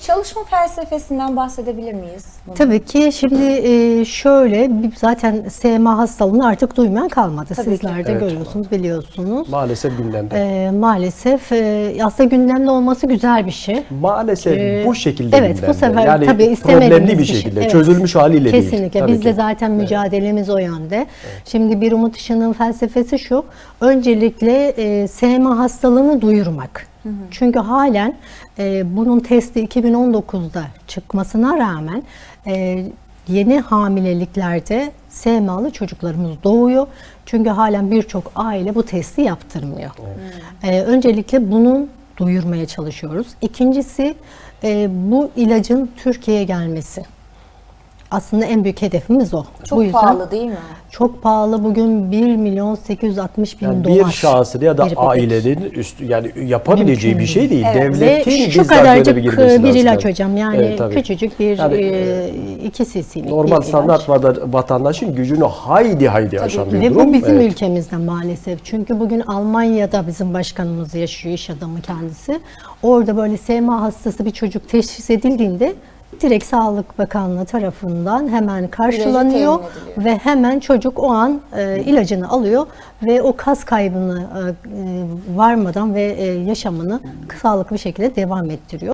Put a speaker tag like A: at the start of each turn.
A: Çalışma felsefesinden bahsedebilir miyiz?
B: Tabii ki. Şimdi şöyle, zaten SMA hastalığını artık duymayan kalmadı.
A: Tabii
B: Sizler
A: ki.
B: de
C: Evet.
B: görüyorsunuz, biliyorsunuz.
C: Maalesef gündemde.
B: Maalesef aslında gündemde olması güzel bir şey.
C: Maalesef bu şekilde
B: Evet,
C: gündemde.
B: bu sefer
C: yani
B: tabii istemediğimiz
C: problemli bir
B: şey.
C: şekilde,
B: Evet.
C: çözülmüş haliyle değil.
B: Kesinlikle.
C: Tabii
B: Biz de
C: ki.
B: zaten mücadelemiz o yönde. Şimdi Bir Umut Işığı'nın felsefesi şu: öncelikle SMA hastalığını duyurmak. Çünkü halen bunun testi 2019'da çıkmasına rağmen yeni hamileliklerde SMA'lı çocuklarımız doğuyor. Çünkü halen birçok aile bu testi yaptırmıyor. Öncelikle bunu duyurmaya çalışıyoruz. İkincisi, bu ilacın Türkiye'ye gelmesi. Aslında en büyük hedefimiz o.
A: Çok
B: Bu yüzden
A: pahalı değil mi?
B: çok pahalı. Bugün 1.860.000
C: Yani
B: dolar.
C: bir şahsın ya da
B: bir bebek.
C: ailenin üstü, yani yapabileceği
B: Mümkün
C: bir şey değil.
A: Evet.
C: Devletin
B: Ve şu
C: bizzat
B: kadarcık
C: böyle girmesi
B: bir
C: lazım.
B: ilaç hocam. Yani
C: Evet, tabii.
B: küçücük bir
C: Yani,
B: 2 cc'lik
C: Normal
B: bir
C: standart
B: ilaç.
C: vatandaşın gücünü haydi aşan bir
B: Ve
C: durum.
B: bu bizim
C: Evet.
B: ülkemizde maalesef. Çünkü bugün Almanya'da bizim başkanımız yaşıyor, iş adamı kendisi. Orada böyle SMA hastası bir çocuk teşhis edildiğinde direkt Sağlık Bakanlığı tarafından hemen karşılanıyor
A: temin ediliyor.
B: ve hemen çocuk o an ilacını alıyor ve o kas kaybını varmadan ve yaşamını sağlıklı bir şekilde devam ettiriyor.